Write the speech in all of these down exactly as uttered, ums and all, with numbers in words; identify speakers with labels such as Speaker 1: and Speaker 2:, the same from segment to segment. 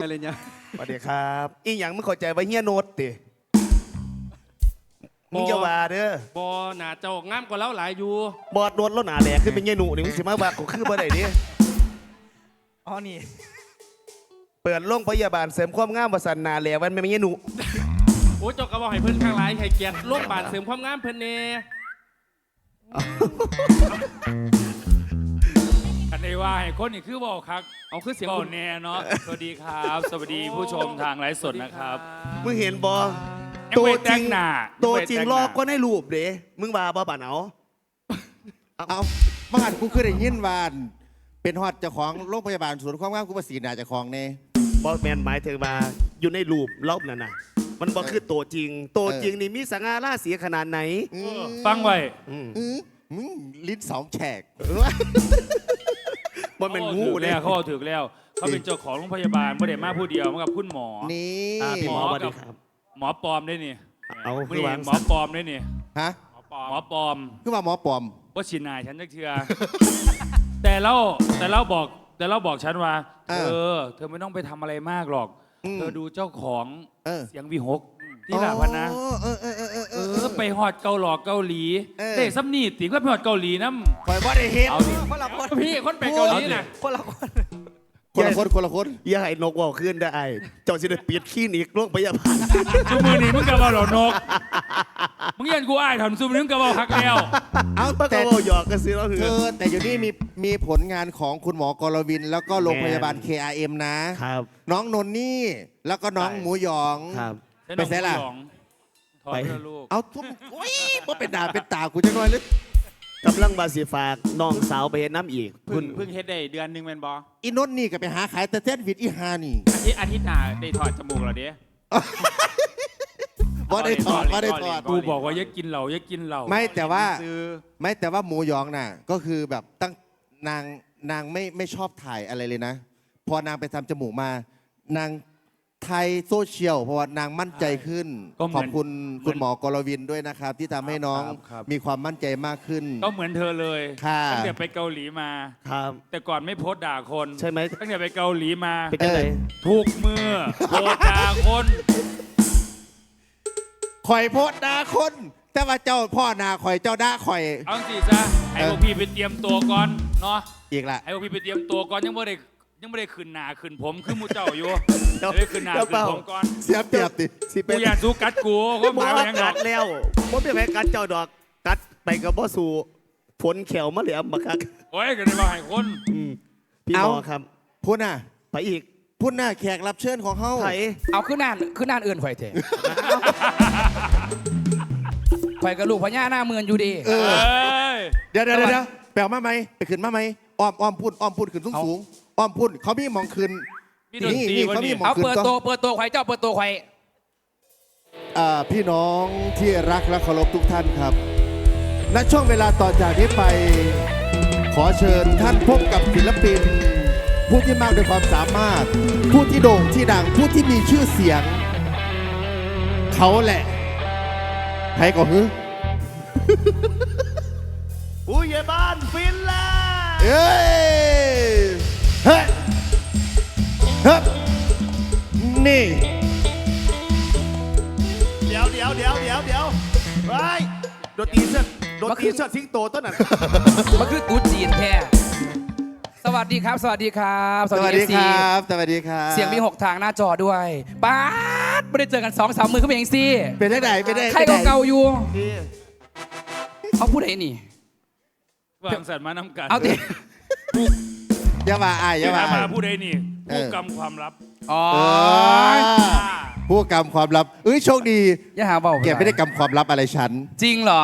Speaker 1: อะไรเนี่ย
Speaker 2: สวัสดีครับอีหยังมึงเข้าใจว่าเฮียโนดติมึงจะว่าเด้อบ
Speaker 3: อหนาเจ้างามกว่าเราหลายอยู่
Speaker 2: บอดโดนแล้วหนาแหลกขึ้นเป็นเฮียหนูนี่มึงสิมาว่ากูคือบ่ได้ดิ
Speaker 1: อ๋อนี่
Speaker 2: เปิดโรงพยาบาลเสริมความงามประสันหนาแหลกมันไม่เฮียหนู
Speaker 3: โอ้เจ้าก็บอกให้เพิ่นข้างหลายให้เกียรติโรคบาดเสริมความงามเพิ่นเน่อันนี้ว่าให้คนนี่คือบอกครับ
Speaker 4: เอาคือเสียง
Speaker 3: บอ
Speaker 4: คุ
Speaker 3: ก
Speaker 4: ณ
Speaker 3: แน่เนาะ
Speaker 4: สวัสดีครับ สวัสดีผู้ชมทางไลฟ์สดนะครับ
Speaker 2: มึงเห็นบอ
Speaker 3: ยัง
Speaker 2: ตัว
Speaker 3: ไม่
Speaker 2: จ
Speaker 3: แต่
Speaker 2: ริ
Speaker 3: ง
Speaker 2: ง
Speaker 3: หน้า
Speaker 2: ตัวจริง
Speaker 3: ยังไม่แต่งห
Speaker 2: ล
Speaker 3: น้า
Speaker 2: อกก็ในรูปเด้มึงว่าบ่ป่านเอา
Speaker 5: เอาบ้านกูคือได้ยินวาอันเป็นฮอดเจ้าของโรงพยาบาลศูนย์ความงามกูประสีนาเจ้าของเนี่ย
Speaker 2: บอแมนหมายถึงมาอยู่ในรูปรอบนั่นน่ะมันบ่คือตัวจริงตัวจริงนี่มีสง่าราศีขนาดไหน
Speaker 3: ฟังไว้
Speaker 2: อืม
Speaker 5: อื้อมึงลิ้นสองแฉก
Speaker 2: มันเป็นงู
Speaker 3: เขา
Speaker 2: เลย
Speaker 3: แล้วเขาถือแล้ว เขาเป็นเจ้าของโรงพยาบาลไม่ได้มาผู้เดียวมากับคุณหมอ
Speaker 5: นี่
Speaker 2: อ่าพี่หมอ
Speaker 3: หมอ
Speaker 2: สวัสดีครับ
Speaker 3: หมอปลอมได้นี่
Speaker 2: เอาคื
Speaker 3: นี่
Speaker 2: อวาง
Speaker 3: หมอปลอมได้นี่
Speaker 5: ฮะ
Speaker 3: หมอปลอม
Speaker 5: คือว่าหมอปลอม
Speaker 3: ว่าชินนายฉันจักเทือ แต่เราแต่เราบอกแต่เราบอกฉันว่า
Speaker 5: เอ
Speaker 3: เธ
Speaker 5: อ
Speaker 3: อเธอไม่ต้องไปทำอะไรมากหรอก
Speaker 5: อืม
Speaker 3: เธอดูเจ้าของ
Speaker 5: เออ
Speaker 3: เสียงวีหกที่หลาพันนะ
Speaker 5: อ๋อเออเออเออเออเอ
Speaker 3: เอ
Speaker 5: อ
Speaker 3: อไปฮอดเกาหลอกเกาหลี
Speaker 5: เออ
Speaker 3: เด็ซัมนี่ติก็ไปฮอดเกาหลีน้ำ
Speaker 5: คอยบ่ได้เห็น
Speaker 3: เอาดิ
Speaker 1: คนละคน
Speaker 3: พี่คนไปเกาหลีนะ
Speaker 1: คนละคน
Speaker 5: คนละคนคนละคน
Speaker 2: อย่าให้นกว่าวขึ้นได้ไอ้เจ้าสิได้ปิดคลินิกโรงพยาบาล
Speaker 3: ซูมือนี่มึงกะว่าหรอนกมึงยันกูอ้ายถอนซูมือนี่มึงกะว่าฮักแล้ว
Speaker 5: เอา
Speaker 2: มันก็
Speaker 5: แต่
Speaker 2: เว่าหยอกกันสิเราเหื
Speaker 5: เธ
Speaker 2: อ
Speaker 5: อแต่อยู่นี่มีมีผลงานของคุณหมอกรวิน แล้วก็โรงพยาบาล เค อาร์ เอ็ม นะ
Speaker 2: ครับ
Speaker 5: น้องนนนี่แล้วก็น้องหมูหยอง
Speaker 2: ครับ
Speaker 5: ไปเสียล่ะ
Speaker 3: ถอดเพื่อลูก
Speaker 5: เอาทุ่มโอ้ยบ่เป็นดาเป็นตากูจะน้อยหรือก
Speaker 2: ำลังบาสิฝากน้องสาวไปเห็นน้ำอีก
Speaker 4: เพิ่
Speaker 2: คุ
Speaker 4: ง
Speaker 2: ณ
Speaker 4: เพิ่งเฮ็ดได้เดือนหนึงแม่นบ่
Speaker 5: อีนนนี่ก็ไปหาขายแต่เส้นวิดอีฮานี่
Speaker 4: อาทิตย์อาทิตย์หน้าได้ถอดจมูกแล้วเด้
Speaker 5: บ่ได้ถอดบ่ได้ถอด
Speaker 3: กูบอกว่าอย่ากินเหล้าอย่ากินเหล้า
Speaker 5: ไม่แต่ว่า
Speaker 4: ซื้อ
Speaker 5: ไม่แต่ว่าหมูหยองน่ะก็คือแบบตั้งนางนางไม่ไม่ชอบถ่ายอะไรเลยนะ พอนางไปทำจมูกมานางไทยโซเชียลเพราะว่านางมั่นใจขึ้น ขอบคุณคุณหมอกรวินด้วยนะครับ ที่ทำให้น้องมีความมั่นใจมากขึ้น
Speaker 3: ก็เหมือนเธอเลย
Speaker 5: ค่ะ
Speaker 3: ตั้งแต่ไปเกาหลีมา
Speaker 2: ครับ
Speaker 3: แต่ก่อนไม่โพสต์ด่าคน
Speaker 2: ใช่ไหม
Speaker 3: ตั้งแต่ไปเกาหลีมา
Speaker 2: เป็นยังไง
Speaker 3: ทุกมือโพสต์ด่าคน
Speaker 5: ข่อยโพดดาคน แต่ว่าเจ้าพ่อนาข่อยเจ้าด่าข่อย
Speaker 3: เอาสิซะให้พวกพี่ไปเตรียมตัวก่อนเนาะ
Speaker 5: อีกละ
Speaker 3: ให้พวกพี่ไปเตรียมตัวก่อนยังไม่ได้ยังไม่ได้ขึ้นหนาขึ้นผมคือหมูเจ้าอยู่
Speaker 2: เดี๋ยว
Speaker 3: เดี๋ยวขึ้นหนา
Speaker 2: เดี๋ยว
Speaker 3: ขึ้
Speaker 2: เป
Speaker 3: น
Speaker 2: ล่า
Speaker 3: ผมก่อน
Speaker 5: เสียเปรียบติ
Speaker 2: สิเป็
Speaker 3: กู
Speaker 2: น
Speaker 3: อยากสู้กัดกูก็ห
Speaker 2: บอ
Speaker 3: มาย
Speaker 2: ก
Speaker 3: ว่า
Speaker 2: ว่า
Speaker 3: ยังไง
Speaker 2: กัดแล้วผมเป็นแพ้กัดเจ้าดอก กัดไปกับบ่สู่ผลแขวมาเหลี่ยมบักคัก
Speaker 3: โอ้ยก็ได้มาให้คน
Speaker 2: อืมพี่หมอครับ
Speaker 5: พุ่นน่ะ
Speaker 2: ไปอีก
Speaker 5: พุ่นน่ะแขกรับเชิญของเฮา
Speaker 2: ไผ
Speaker 1: เอาขึ้นนานขึ้นนานเอื่นข่อยเถอะข่อยกับลูกพญาหน้าเมือนอยู่ดี
Speaker 5: เอ
Speaker 3: เอ
Speaker 5: อ้
Speaker 3: ย
Speaker 5: เดี๋ยวเดี๋ยวเดี๋ยวแปลมาไหมไปขึ้นมาไหมอ้อมอ้อมพุ่นอ้อมพุ่นขึ้นสูงสูงอ้อมพุ่นเขามีหมองขึ้น
Speaker 3: มีดนตรี
Speaker 5: นี่
Speaker 3: วัน
Speaker 5: เขามี
Speaker 3: นี้
Speaker 5: หมอ
Speaker 1: เอาเปิดตัวเปิดตัวข่อยเจ้าเปิดตัวข่อย
Speaker 5: อ่าพี่น้องที่รักและเคารพทุกท่านครับ ณ ช่วงเวลาต่อจากนี้ไป ขอเชิญท่านพบกับศิลปิน ผู้ที่มากด้วยความสามารถ ผู้ที่โด่งที่ดัง ผู้ที่มีชื่อเสียง เขาแหละใครก็ฮึ
Speaker 2: ผู้ใหญ่บ้านฟินแลนด์
Speaker 5: เอ้ยเฮ้ยเฮ้ยนี่
Speaker 2: เดี๋ยวเดี๋ยวเดี๋ยวเดี๋ยวเดี๋ยวไปโดนตีเสื้อโดนตีเสื้อสิงโตต้นนั้น
Speaker 1: มันคือตูจีนแท้สวัสดีครับ สวัสดีครับ
Speaker 5: สวัสดี
Speaker 1: เอฟ
Speaker 5: ค
Speaker 1: ซี
Speaker 5: รับ สวัสดีครับ
Speaker 1: เสียงมีหกทางหน้าจอด้วยป๊าดไม่ได้เจอกันสองสามมือเขาเป็นเองสิ
Speaker 5: เป็นได้ไหนเป็นได้
Speaker 1: ใครก็เก่าอยู่เขาพูดอะไรนี่
Speaker 3: วางสัตว์มาน้ำกัน
Speaker 1: เอาดิ
Speaker 5: อย่ามาอายอย่า
Speaker 3: ที่
Speaker 5: มา
Speaker 3: ถาม
Speaker 5: อา
Speaker 3: มาย ผู้ใดนี่
Speaker 5: เออ
Speaker 3: ผู้กำความลับ
Speaker 1: อ๋อ
Speaker 5: เออผู้กำความลับ เอ้ยโชคดี
Speaker 1: อย่าหาเบา
Speaker 5: แกไม่ได้กำความลับอะไรฉัน
Speaker 1: จริงเหรอ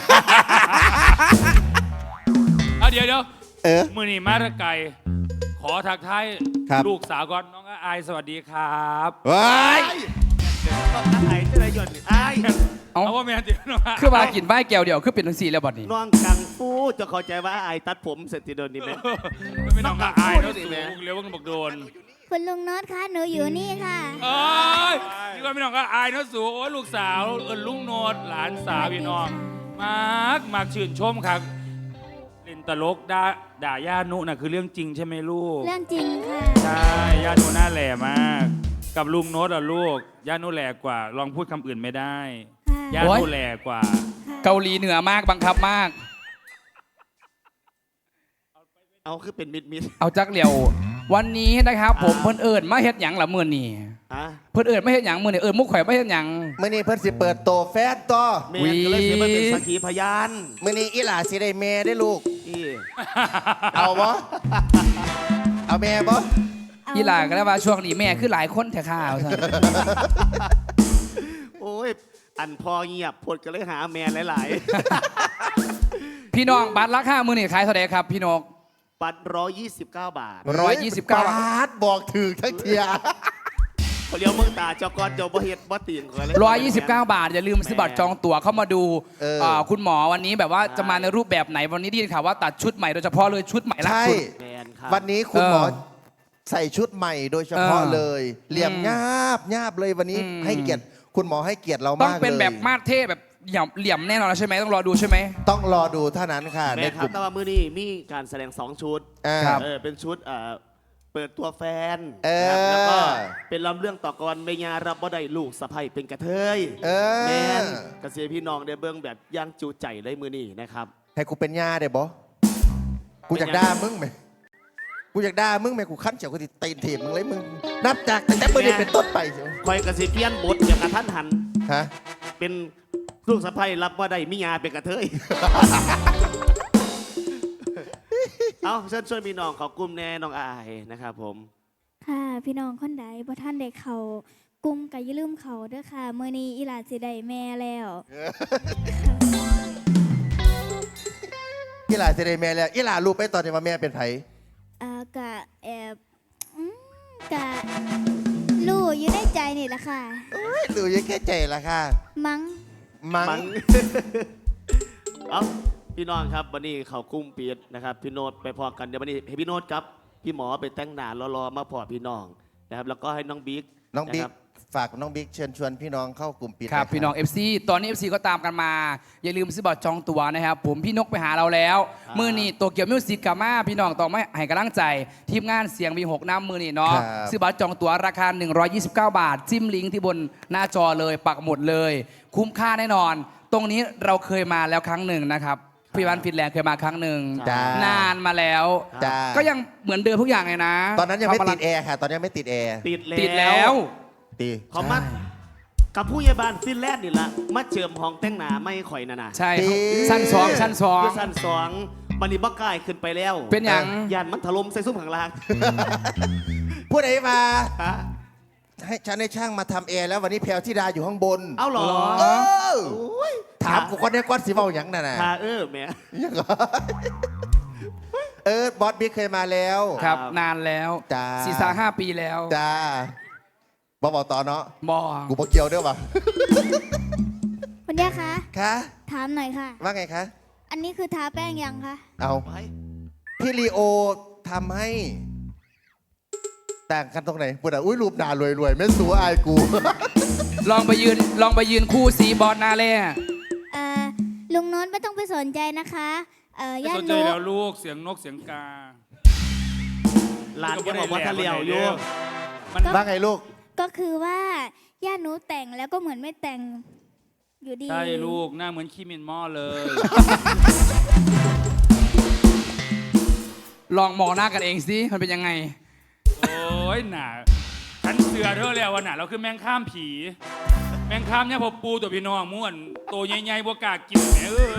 Speaker 3: เอาเดี๋ยวเดี๋ยว
Speaker 5: เออ
Speaker 3: มือนี่มาตะไก่ขอทักทาย
Speaker 5: ครับ
Speaker 3: ลูกสาวก่อนน้องอายสวัสดีครับ
Speaker 5: ว้าย
Speaker 2: ไอ้เจ้าไหนหย่อนไอ้
Speaker 1: เอา
Speaker 3: เอาว่าแม่เดี๋ยวน้องาย
Speaker 1: คือมากินใบแก้วเดียวคือเป็นทั้งสี่แล้วบัดนี้
Speaker 2: น้องกังฟูจะเข้าใจว่าไอ้ตัดผมเสร็จทีเดียวนี้ไหม
Speaker 3: ไม่น้องอาย
Speaker 2: พู
Speaker 3: เนาะ
Speaker 2: ดดิ
Speaker 3: สู
Speaker 2: แม่
Speaker 3: งเร็วกันบอกโดน
Speaker 6: คุณลุงโน็อตคะหนูอยู่นี่ค่ะ
Speaker 3: เอ้ยนี่ก็ไม่น้องก็อายเนาะสูงโอ้ยลูกสาวเอิญลุงโนดหลานสาวพี่น้องมากมากชื่นชมครับเล่น
Speaker 4: ตลกด่าด่าย่านุน่ะคือเรื่องจริงใช่ไหมลูก
Speaker 6: เรื่องจริงค่ะ
Speaker 4: ใช่ย่านุหน้าแหล่มาก กับลุงโน้ตอ่ะลูกย่านุแหล่กว่า ลองพูดคำอื่นไม่ได้
Speaker 6: ค่ะ
Speaker 4: ย่า
Speaker 1: โอ๊
Speaker 4: นุ
Speaker 1: ย
Speaker 4: แหล่กว่า
Speaker 6: ค่ะ
Speaker 1: เกาหลีเหนือมากบังคับมาก
Speaker 2: เอาคือเป็นมิดมิด
Speaker 1: เอาจักเหลียว วันนี้นะครับ ผมเพิ่นเอิญมาเฮ็ดหยังละมื้อนี้
Speaker 2: อ่ะ
Speaker 1: เพิ่นเอิญมาเฮ็ดหยังมื้อนี้เอิญมุกข่อยมาเฮ็ดหยัง
Speaker 5: มื่อนี้เพิ่นสิเปิดโตแฟนต่อ
Speaker 2: แม่ก็เลยสิมาเป็นสักขีพยาน
Speaker 5: มื่อนี้อีหลาสิได้แม่ได้ลูก
Speaker 2: อี
Speaker 5: เอาบ่เอาแม่บ่
Speaker 6: เ
Speaker 1: อีหลาก็ได้ว่าช่วงนี้แม่คือหลายคนแท้ข้าวซั่น
Speaker 2: โอ้ยอันพอเงียบพดก็เลยหาแมนหลาย
Speaker 1: พี่น้องบัตรราคามื้อนี้ขายเท่าใดครับพี่นก
Speaker 2: ๆ ปัดร้อยยี่สิบเก้าบาท
Speaker 1: ร้อยยี่สิบเก้า
Speaker 5: บาทบอกถือทั้งเทีย
Speaker 2: เขาเลี้ยวเมืองตาเจ้ากอนเจ้าบ่เฮ็ดบ่ตีนก่อนเลย
Speaker 1: ร้อยยี่สิบเก้าบาท อย่าลืมซื้อบัตรจองตั๋วเข้ามาดูอ่าคุณหมอวันนี้แบบว่าจะมาในรูปแบบไหนวันนี้ได้ยินข่าวว่าตัดชุดใหม่โดยเฉพาะเลยชุดใหม่ล่า
Speaker 5: ใช่
Speaker 1: สุด
Speaker 2: แมนครับ
Speaker 5: วันนี้คุณหมอ
Speaker 1: เออ
Speaker 5: ใส่ชุดใหม่โดยเฉพาะ
Speaker 1: เออ
Speaker 5: เลย เหลี่ยมงาบงาบเลยวันนี้
Speaker 1: อืม
Speaker 5: ให้เกียรติคุณหมอให้เกียรติเรา
Speaker 1: ต้อง
Speaker 5: มากเลย
Speaker 1: เป็นแบบมาดเท่แบบเหลี่ยมเหลี่ยมแน่นอนแล้วใช่ไหมต้องรอดูใช่ไหม
Speaker 5: ต้องรอดูเท่านั้นค่ะ
Speaker 2: แม
Speaker 5: ใน
Speaker 2: นค
Speaker 5: ก
Speaker 2: รับ
Speaker 5: ลุ่ม
Speaker 2: แต่ว่ามื้อนี้มีการแสดงสองชุด
Speaker 5: อ่า
Speaker 1: ครับ
Speaker 2: เออเป็นชุดเอ่อเปิดตัวแฟน
Speaker 5: เออ
Speaker 2: นะครับแล้วก็เป็นลำเรื่องต่อกรเมียรับบ่ได้ลูกสะใภ้เป็นกระเทย
Speaker 5: เออ
Speaker 2: แมนกระเสียพี่น้องได้เบิ่งแบบย่างจูใจเลยมื้อนี้นะครับ
Speaker 5: ให้กูเป็นย่าได้บ่กูอยากด่ามึงไหมกูอยากด่ามึงไหมกูขั้นเฉียวกูติตีนถีบมึงเลยมึงนับจากตั้งแต่เมื่อนี้เป็นต้นไปเชียว
Speaker 2: คอยกระเสียเปลี่ยนบทอย่างกระทันหัน
Speaker 5: ฮะ
Speaker 2: เป็นลูกสะใภ้รับบ่ได้มิยาเป็นกระเทย เอาเชิญชวนพี่น้องเขากลุ่มแน่น้องอายนะครับผม
Speaker 6: ค่ะ พี่น้องคนใดบ่ท่านได้เขากลุ่มก็อย่าลืมเขาเด้อค่ะมื้อนี้อีหลาสิได้แม่แล้ว
Speaker 5: อีหลาเสได็จแม่แล้วอีหลารู้ไปตอนนี้ว่าแม่เป็นไผ
Speaker 6: อ่ากะแอบอืมกะรู้อยู่ในใจนี่แหละค่ะ
Speaker 5: เอ้ยรู้ยังแค่ใจละค่ะ
Speaker 6: มั้ง
Speaker 5: มัง
Speaker 2: มัง เอาพี่น้องครับวันนี้เขากลุ้มปีดนะครับพี่โนตไปพอกันเดี๋ยววันนี้ให้พี่โนตครับพี่หมอไปแต่งหน้ารอๆมาพอพี่น้องนะครับแล้วก็ให้น้องบิ๊ก
Speaker 5: น้องบิ๊ก
Speaker 2: ะครับ
Speaker 5: ฝากน้องบิ๊กเชิญชวนพี่น้องเข้ากลุ่มปิด
Speaker 1: ครับ
Speaker 5: ะ
Speaker 1: พี่น้อง เอฟ ซี ตอนนี้ เอฟ ซี ก็ตามกันมา อย่าลืมซื้อบัตรจองตั๋วนะครับผมพี่นกไปหาเราแล้ว
Speaker 2: ครับ
Speaker 1: มือนี่ตัวเกี่ยวมิวสิกกามาพี่น้องต้องไม่ให้กำลังใจ ทีมงานเสียงวีหกน้ำมือนี่เนาะ
Speaker 5: ครับ
Speaker 1: ซื้อบัตรจองตั๋วราคา หนึ่งร้อยยี่สิบเก้า บาท จิ้มลิงก์ที่บนหน้าจอเลยปักหมุดเลย คุ้มค่าแน่นอน ตรงนี้เราเคยมาแล้วครั้งหนึ่งนะครับพี่วันฟินแลนด์เคยมาครั้งหนึ่ง
Speaker 5: จ้าน
Speaker 1: านมาแล้ว
Speaker 5: จ้า
Speaker 1: ก็ยังเหมือนเดิมทุกอย่างเลยนะ
Speaker 5: ตอนนั้นยังไม่
Speaker 1: ทำะร
Speaker 5: ติดแอร์ค่ะ ตอนนี้ยังไม่ติดแอร์
Speaker 2: ติดแล้ว
Speaker 1: ติดแล้ว
Speaker 5: ตี
Speaker 2: เขามากับผู้ใหญ่บ้านฟินแลนด์นี่ละมาเจิมห้องแต่งหน้าไม่ข่อยน่ะนะ
Speaker 1: ใช่ชั้นสองชั้นสอง
Speaker 2: คือสั้นสองมันนี่บักกายขึ้นไปแล้ว
Speaker 1: เป็นอย่าง
Speaker 2: ยานมันถล่มใส่ซุ้มข้างล่าง
Speaker 5: พูดไหนมา
Speaker 2: ฮะ
Speaker 5: ให้ฉันให้ช่างมาทำแอร์แล้ววันนี้แพลวธิดาอยู่ข้างบน
Speaker 2: เอาเหรอ
Speaker 5: เออ
Speaker 2: โอ้ย
Speaker 5: ถามกูคนนี้ก้อนสีเบาอย่างนั่นน่ะ
Speaker 2: ทาเออแหม่
Speaker 5: ยังเหรอเออบอสบิ๊กเคยมาแล้ว
Speaker 1: ครับ
Speaker 2: ครับ
Speaker 1: นานแล้ว
Speaker 5: จ้า
Speaker 1: สี่สาห้าปีแล้ว
Speaker 5: จ้าบอกบอกต่อเนาะ
Speaker 1: บอ
Speaker 5: กูบอกเกี่ยวด้วยวะ
Speaker 6: คุณย่าคะ
Speaker 5: คะ
Speaker 6: ถามหน่อยค่ะ
Speaker 5: ว่าไงคะ
Speaker 6: อันนี้คือทาแป้งยังคะ
Speaker 5: เอา
Speaker 2: ไป
Speaker 5: พี่ลีโอทำให้ ต่างกันตรงไหนพูดอ่ะอุ้ยรูปหนารวยรวยๆไม่สู้อายกู
Speaker 1: ลองไปยืนลองไปยืนคู่สีบอสหนาเล่
Speaker 6: เอ่อลุงโน้นไม่ต้องไปสนใจนะคะเอ่อ
Speaker 4: ไม่
Speaker 6: ย่า
Speaker 4: สน
Speaker 6: น
Speaker 4: ใจ
Speaker 6: นุ
Speaker 4: แล้วลูกเสียงนกเสียงกา
Speaker 2: หลานแกบอกว่าทะเลียวอยู่
Speaker 4: มัน
Speaker 5: ว่าไงลูก
Speaker 6: ก็คือว่าย่านุแต่งแล้วก็เหมือนไม่แต่งอยู่ดี
Speaker 4: ใช่ลูกหน้าเหมือนขี้มินหม้อเลย
Speaker 1: ลองมองหน้ากันเองสิมันเป็นยังไง
Speaker 4: โอ้ยหนาฉันเสือเธอแล้ววันหนาเราคือแมงข้ามผี แมงข้ามเนี่ยพอปูตัวพี่น้องม่วนตัวใหญ่ๆบวกล้ากินแหมเออ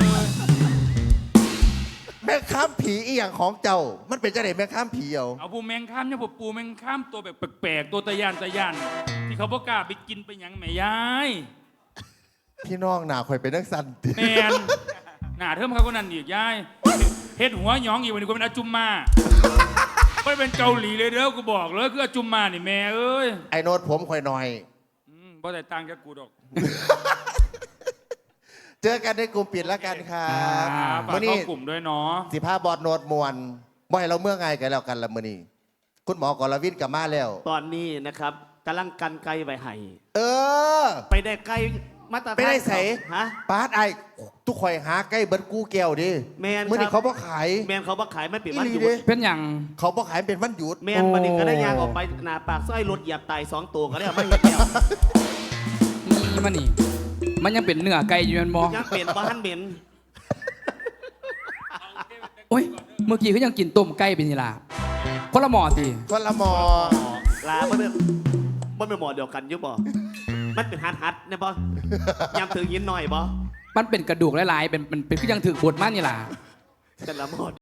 Speaker 5: แม่ข้ามผีอีหยังของเจ้า มันเป็นจะไหนแม่ข้ามผีเอา
Speaker 4: เอาปูแมงข้ามเนี่ยพอปูแมงข้ามตัวแบบแปลกๆตัวตะยานตะยานที่เขาบวกล้าไปกินไปหยังแหม่ยาย
Speaker 5: พี่น้องหนาคอยเป็นนักสันติ
Speaker 4: แมนหนาเทิมเขาก็นั่นอีกยายเฮ็ดหัวหยองอีกวันนี้ก็เป็นอาจุมมาไม่ได้เป็นเกาหลีเลยเด้อกูบอกเลยคืออาจุมมานี่แม่เอ้ย
Speaker 5: ไอ้โน้ตผมคอยหน่อย
Speaker 4: อืมบ่ได้ตังค์จากกูดอก
Speaker 5: เจอกันในกลุ่มปิดแล้วกันครับ
Speaker 4: ครับฝาก
Speaker 5: มื่อ
Speaker 4: เข้า
Speaker 5: นี้
Speaker 4: กลุ่มด้วยเนาะ
Speaker 5: สิภาบอดโนดมวนบ่ให้เราเมื่อไงกันแล้วกันละมื่อนี้คุณหมอกรวิทย์กลับมาแล้ว
Speaker 2: ตอนนี้นะครับกำลังกันไกลไว้ให้
Speaker 5: เออ
Speaker 2: ไปได้ไกลมาตรฐาน
Speaker 5: ไปได้ใส่
Speaker 2: ฮะ
Speaker 5: ปาดไอ้ทุกข่อยหาใกล้เบิร์ดกูแก้วดิ
Speaker 2: แมน
Speaker 5: เมื่อนี้
Speaker 2: ครับ
Speaker 5: เขาบ่ขาย
Speaker 2: แมนเขาบ่ขายไม่ปิดวันหยุ
Speaker 5: อีหลี
Speaker 2: ด
Speaker 5: เด้
Speaker 1: เป็นอย่าง
Speaker 5: เขาบ่ขายเป็นวันหยุด
Speaker 2: แมนวันนี้ก็ได้ยางออกไปหนาปากสร้อยรถเหยียบไตสองตัวก็ได้เอามาเห็นแล้ว
Speaker 1: นี่มันนี่ มันยังเป็นเนื้อไก่อยู่แมันบอ
Speaker 2: ยังเปลี่ยนบ้านเหม็น
Speaker 1: โอ้ย เมื่อกี้เขายังกินต้มไก่เป็นนี่ล่ะคนละหมอสิ
Speaker 5: คนละหมอ
Speaker 2: ลาบ่เป็นบ่เป็นหมอเดียวกันอยุบบ่มันเป็นฮัดฮัดเนี่ยบ่ยำถือยินหน่อยบ่
Speaker 1: มันเป็นกระดูกหลายๆ เป็นเป็นเป็นคือยังถือบดมากนี่ล่ะ
Speaker 2: แต่ละหมอ